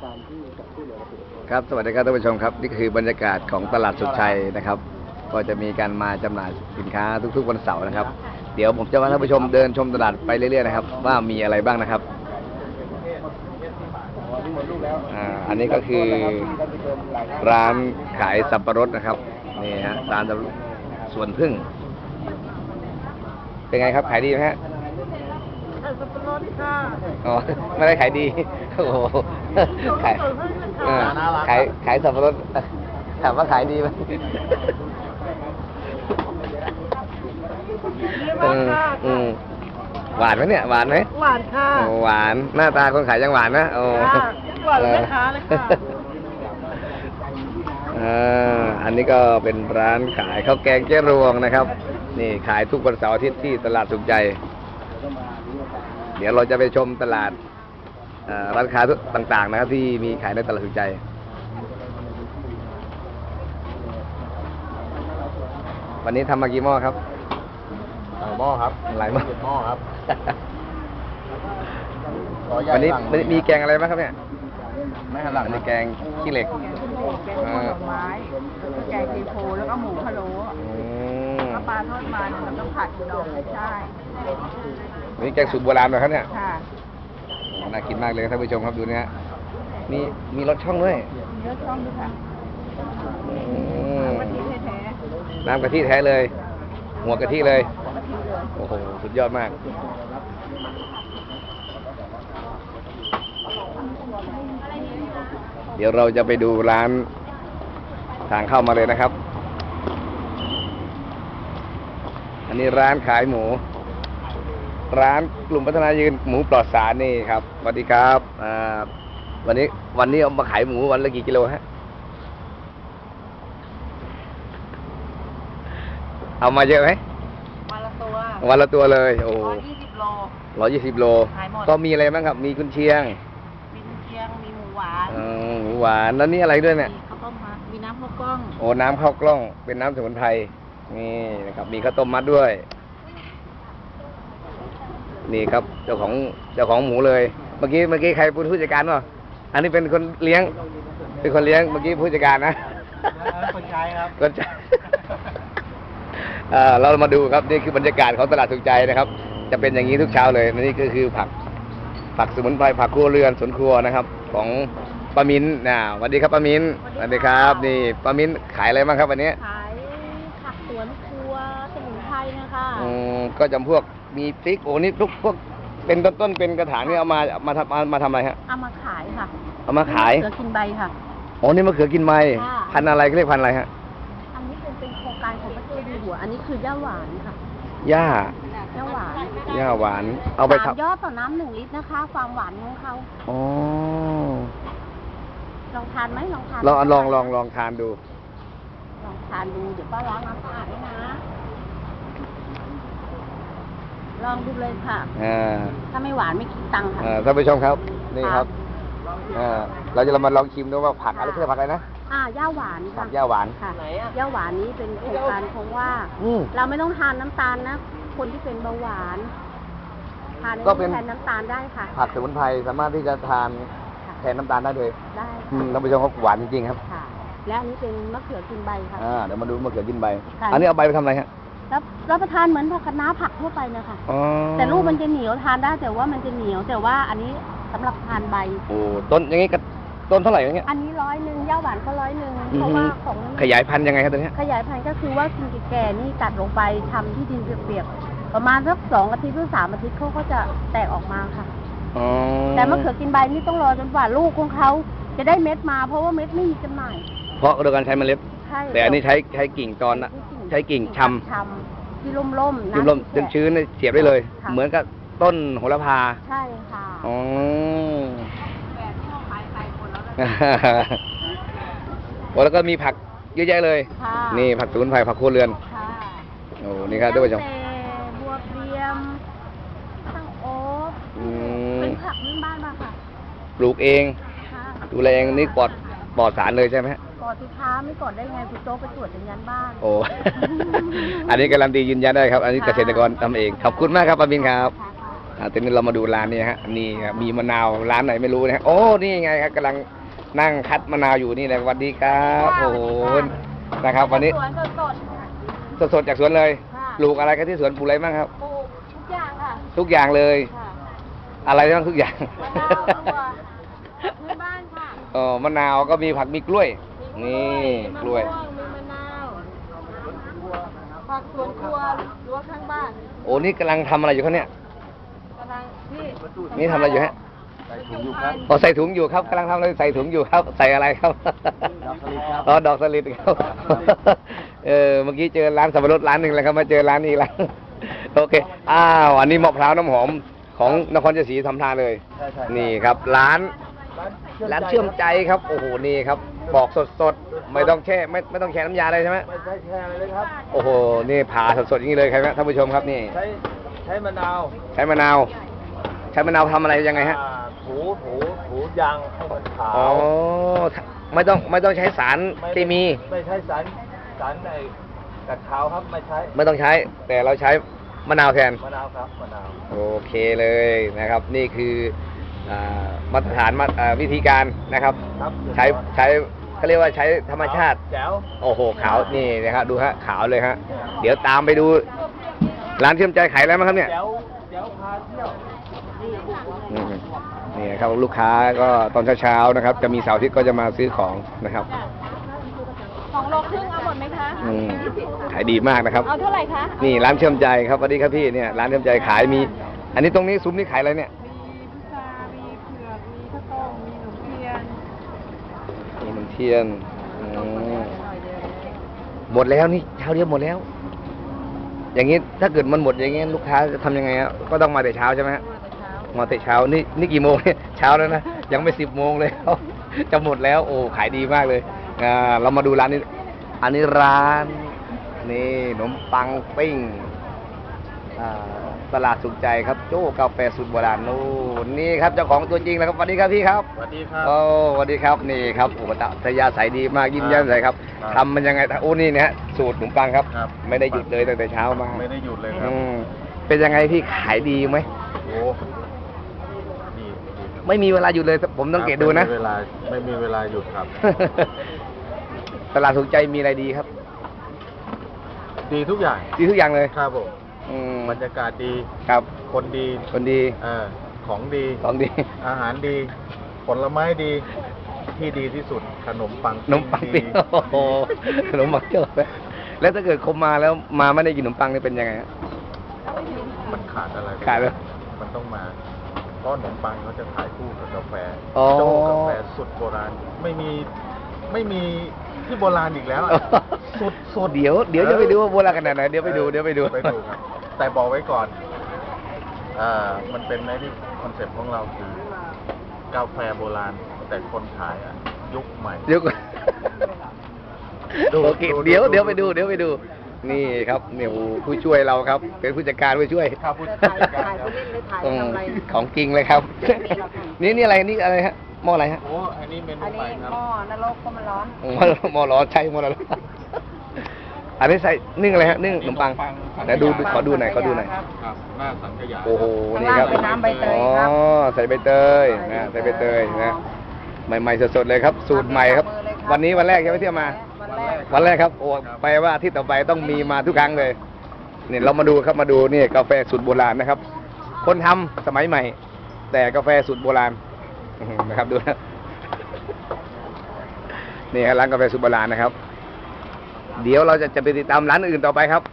ครับสวัสดีครับท่านผู้ชมครับนี่คือบรรยากาศของตลาดสุขชัยนะครับ ก็จะมีการมาจำหน่ายสินค้าทุกๆวันเสาร์นะครับ เดี๋ยวผมจะพาท่านผู้ชมเดินชมตลาดไปเรื่อยๆนะครับว่ามีอะไรบ้างนะครับอันนี้ก็คือร้านขายสับปะรดนะครับนี่ฮะร้านสวนพึ่งเป็นไงครับขายดีไหมฮะสับปะรดค่ะอ๋อไม่ได้ขายดีโอ้โหขายสับปะรดถามว่าขายดีไหมหวานไหมเนี่ยหวานไหมหวานค่ะหวานหน้าตาคนขายยังหวานนะโอ้หวานแม่ค้าเลยค่ะอันนี้ก็เป็นร้านขายข้าวแกงเจ๊รวงนะครับนี่ขายทุกวันเสาร์อาทิตย์ที่ตลาดสุขใจเดี๋ยวเราจะไปชมตลาดร้านค้าต่างๆนะครับที่มีขายในตลาดสุขใจวันนี้ทำมากี่หม้อครับหลายหม้อครับหลายหม้อครับวันนี้มีแกงอะไรบ้างครับเนี่ยไม่หันหลังมีแกงขี้เหล็กแกงผลไม้แกงกีโพแล้วก็หมูพะโล้แล้วปลาทอดมันแล้วก็ผัดดองใช่นี่แกงสูตรโบราณเหรอครับเนี่ยค่ะน่ากินมากเลยท่านผู้ชมครับดูเนี่ยมีรสช่องด้วยมีรสช่องด้วยค่ะน้ำกะทิแท้เลยหัวกะทิเลยโอ้โหสุดยอดมากเดี๋ยวเราจะไปดูร้านทางเข้ามาเลยนะครับอันนี้ร้านขายหมูร้านกลุ่มพัฒนายืนหมูปลอดสารนี่ครับสวัสดีครับวันนี้เอามาขายหมูวันละกี่กิโลฮะเอามาเยอะไหมวันละตัวเลยโอ้ 120 โล 120 โลก็มีอะไรบ้างครับมีกุนเชียงมีหมูหวานหมูหวานแล้วนี่อะไรด้วยเนี่ยข้าวต้มมัดมีน้ำข้าวกล้องโอ้น้ำข้าวกล้องเป็นน้ำสมุนไพรนี่นะครับมีข้าวต้มมัดด้วยนี่ครับเจ้าของหมูเลยเมื่อกี้ใครเป็นผู้จัดการวะอันนี้เป็นคนเลี้ยงเมื่อกี้ผู้จัดการนะคนใช้ครับคนใช้เรามาดูครับนี่คือบรรยากาศของตลาดสุขใจนะครับจะเป็นอย่างนี้ทุกเช้าเลยนี่ก็คือผักสมุนไพรผักครัวเรือนสวนครัวนะครับของป้ามิ้นสวัสดีครับป้ามิ้นสวัสดีครับนี่ป้ามิ้นขายอะไรบ้างครับวันนี้ขายผักสวนครัวสมุนไพรนะคะก็จำพวกมีพริกโอ้นี่พวกเป็นต้นเป็นกระถางนี่เอามาทำอะไรฮะเอามาขายค่ะเอามาขายมะเขือกินใบค่ะโอ้นี่มะเขือกินใบพันธุ์อะไรเรียกพันธุ์อะไรฮะอันนี้เป็นโครงการของพระเจ้าอยู่หัวอันนี้คือย่าหวานค่ะย่าหวานเอาไปทำยอดต่อน้ำ1 ลิตรนะคะความหวานของเขาอ๋อลองทานไหมลองทานลองทานดูเดี๋ยวป้าล้างน้ำสะอาดให้นะลองดูเลยค่ะถ้าไม่หวานไม่คิดตังค์ค่ะท่านผู้ชมครับนี่ครับเราจะมาลองชิมดูว่าผักอะไรเพื่อผักอะไรนะย่าหวานค่ะย่าหวานค่ะย่าหวานนี้เป็นโครงการเพราะว่าเราไม่ต้องทานน้ำตาลนะคนที่เป็นเบาหวานทานก็เป็นแทนน้ำตาลได้ค่ะผักสมุนไพรสามารถที่จะทานแทนน้ำตาลได้เลยได้ท่านผู้ชมครับหวานจริงๆครับค่ะและอันนี้เป็นมะเขือกินใบค่ะเดี๋ยวมาดูมะเขือกินใบอันนี้เอาใบไปทำอะไรฮะรับประทานเหมือนผักคะน้าผักทั่วไปนะคะแต่ลูกมันจะเหนียวทานได้แต่ว่ามันจะเหนียวแต่ว่าอันนี้สำหรับทานใบโอ้ต้นอย่างงี้ต้นเท่าไหร่อย่างเงี้ยอันนี้100ย่าหวานก็100เพราะว่าของขยายพันธุ์ยังไงครับตัวนี้ขยายพันธุ์ก็คือว่ากินแก่ๆนี่ตัดลงไปทำที่ดินเปียกๆประมาณสัก2 อาทิตย์หรือ3 อาทิตย์เขาก็จะแตกออกมาค่ะแต่มะเขือกินใบนี่ต้องรอจนกว่าลูกของเขาจะได้เม็ดมาเพราะว่าเม็ดไม่มีจำหน่ายเพราะโดยการใช้เมล็ดแต่อันนี้ใช้กิ่งตอนนะใช้กิ่งชำที่ร่มชื้นเสียบได้เลยเหมือนกับต้นโหระพาใช่ค่ะแล้วก็มีผักเยอะแยะเลยนี่ผักสมุนไพรผักครัวเรือนโอ้นี่ครับท่านผู้ชมบัวเรียมตั้งโอ๊บเป็นผักพื้นบ้านมาค่ะปลูกเองดูแลเองนี่ปลอดสารเลยใช่ไหมปลอดสิค้าไม่ปลอดได้ไงคุณโจ๊กไปตรวจยืนยันบ้านโอ้อันนี้การันตียืนยันได้ครับอันนี้เกษตรกรทำเองขอบคุณมากครับป้าบินครับทีนี้เรามาดูร้านนี้ฮะนี่ครับมีมะนาวร้านไหนไม่รู้นะฮะโอ้นี่ไงครับกำลังนั่งคัดมะนาวอยู่นี่แหละสวัสดีครับโอ้โหนะครับ วันนี้สวนสดสดๆจากสวนเลยค่ะปลูกอะไรกันที่สวนปลูกอะไรบ้างครับๆปลูกทุกอย่างค่ะทุกอย่างเลยค่ะอะไรบ้างทุกอย่างมะนาวตัวพื้นบ้านค่ะมะนาวก็มีผักมีกล้วย นี่กล้วยมีมะนาวผักสวนครัวรั้วข้างบ้านโอ้นี่กำลังทำอะไรอยู่ครับเนี่ยกำลังที่นี่ทำอะไรอยู่ฮะใส่ถุงอยู่ครับอ๋อใส่ถุงอยู่ครับกำลังทำอะไรใส่ถุงอยู่ครับ ใส่อะไรครับดอกสลิดครับอ๋อดอกสลิดครับ เมื่อกี้เจอร้านสับปะรดร้านหนึ่งแล้วครับมาเจอร้านนี้อีกแล้ว โอเคอ้าวอันนี้มะพร้าวน้ำหอมของนครชัยศรีทำทานเลยใช่ใช่นี่ครับ ร้านเชื่อมใจครับโอ้โหนี่ครับปอกสดๆไม่ต้องแช่ไม่ต้องแช่น้ำยาเลยใช่ไหมไม่ใช่แช่เลยครับโอ้โหนี่ผ่าสดๆอย่างนี้เลยครับท่านผู้ชมครับนี่ใช้มะนาวใช้มะนาวใช้มะนาวทำอะไรยังไงฮะถูยางให้มันขาวอ๋อไม่ต้องใช้สารเคมีไม่ใช่สารไอ้กัดขาวครับไม่ใช้ไม่ต้องใช้ แต่เราใช้มะนาวแทนมะนาวครับมะนาวโอเคเลยนะครับ นี่คือมาตรฐานวิธีการนะครับครับใช้เขาเรียกว่าใช้ธรรมชาติแจ๋วโอ้โหขาวนี่นะครับดูฮะขาวเลยฮะเดี๋ยวตามไปดู ร้านเชื่อมใจขายอะไรบ้างครับเนี่ยแจ๋วพาเที่ยวอืมนี่ครับลูกค้าก็ตอนเช้าๆนะครับ จะมีเสาร์อาทิตย์ก็จะมาซื้อของนะครับ 2 โลครึ่งเอาหมดไหมคะอืมขายดีมากนะครับเอาเท่าไหร่คะนี่ร้านเชื่อมใจครับสวัสดีครับพี่เนี่ยร้านเชื่อมใจขายมี อันนี้ตรงนี้ซุ้มนี่ขายอะไรเนี่ย มีนมเทียนหมดแล้วนี่เช้าเดียวหมดแล้ว อย่างนี้ถ้าเกิดมันหมดอย่างนี้ลูกค้าจะทำยังไงฮะก็ต้องมาแต่เช้าใช่ไหมฮะมาแต่เช้านี่กี่โมงเนี่ยเช้าแล้วนะยังไม่10 โมงเลย จะหมดแล้วโอ้ขายดีมากเลยเรามาดูร้านนี้ อันนี้ร้านนี่ขนมปังปิ้งตลาดสุขใจครับโจ้กาแฟสูตรโบราณนู่นนี่ครับเจ้าของตัวจริงแล้วครับสวัสดีครับพี่ครับสวัสดีครับโอ้สวัสดีครับนี่ครับโอ้ทยาใสดีมากยิ้มแย้มใสครับครับทำมันยังไงโอ้นี่นะฮะสูตรขนมปังครับครับไม่ได้หยุดเลยตั้งแต่เช้ามาไม่ได้หยุดเลยครับอืมเป็นยังไงพี่ขายดีไหมโอ้ดีไม่มีเวลาหยุดเลยผมสังเกตดูนะไม่มีเวลาหยุดครับตลาดสุขใจมีอะไรดีครับดีทุกอย่างดีทุกอย่างเลยครับผมอืมบรรยากาศดีครับคนดีคนดีของดีของดีอาหารดี ผลไม้ดี ที่ดีที่สุดขนมปังขนมปังปิ้งดีโอ้โหขนมปังเจ้าแล้วถ้าเกิดคมมาแล้วมาไม่ได้กินขนมปังนี่เป็นยังไงฮะมันขาดอะไรขาดเลยมันต้องมาเพราะขนมปังเขาจะขายคู่กับกาแฟอ๋อโจ้กาแฟสุดโบราณ ไม่มีที่โบราณอีกแล้วอะสุดเดี๋ยวจะไปดูว่าโบราณขนาดไหนเดี๋ยวไปดูไปดูไปดูครับ แต่บอกไว้ก่อนมันเป็นในที่คอนเซ็ปต์ของเราคือกาแฟโบราณ แต่คนขายอะยุคใหม่เดี๋ยวดูโอเคดูเดี๋ยวดูไปดู นี่ครับเนี่ยโอ้โหผู้ช่วยเราครับ เป็นผู้จัดการผู้ช่วยครับผู้จัดการครับของจริงเลยครับ นี่อะไรนี่อะไรฮะหม้ออะไรฮะโอ้อันนี้เมนูอันใหม่นี้ครับหม้อนรกก็มันร้อนหม้อร้อนใช่หม้อร้อนอันนี้ใส่นึ่งอะไรฮะนึ่งขนมปังแต่ดูขอดูหน่อยครับหน้าสังขยาโอ้โหนี่ครับข้างล่างเป็นน้ำใบเตยครับอ๋อใส่ใบเตยนะใส่ใบเตยนะใหม่ๆสดๆเลยครับ สูตรใหม่ครับ วันนี้วันแรกใช่ไหมที่เอามาวันแรกวันแรกครับโอ้แปลว่าอาที่ต่อไปต้องมีมาทุกครั้งเลยนี่เรามาดูครับมาดูนี่กาแฟสูตรโบราณนะครับ คนทำสมัยใหม่ แต่กาแฟสูตรโบราณนะครับดูนะนี่ครับร้านกาแฟสูตรโบราณนะครับ เดี๋ยวเราจะไปติดตามร้านอื่นต่อไปครับ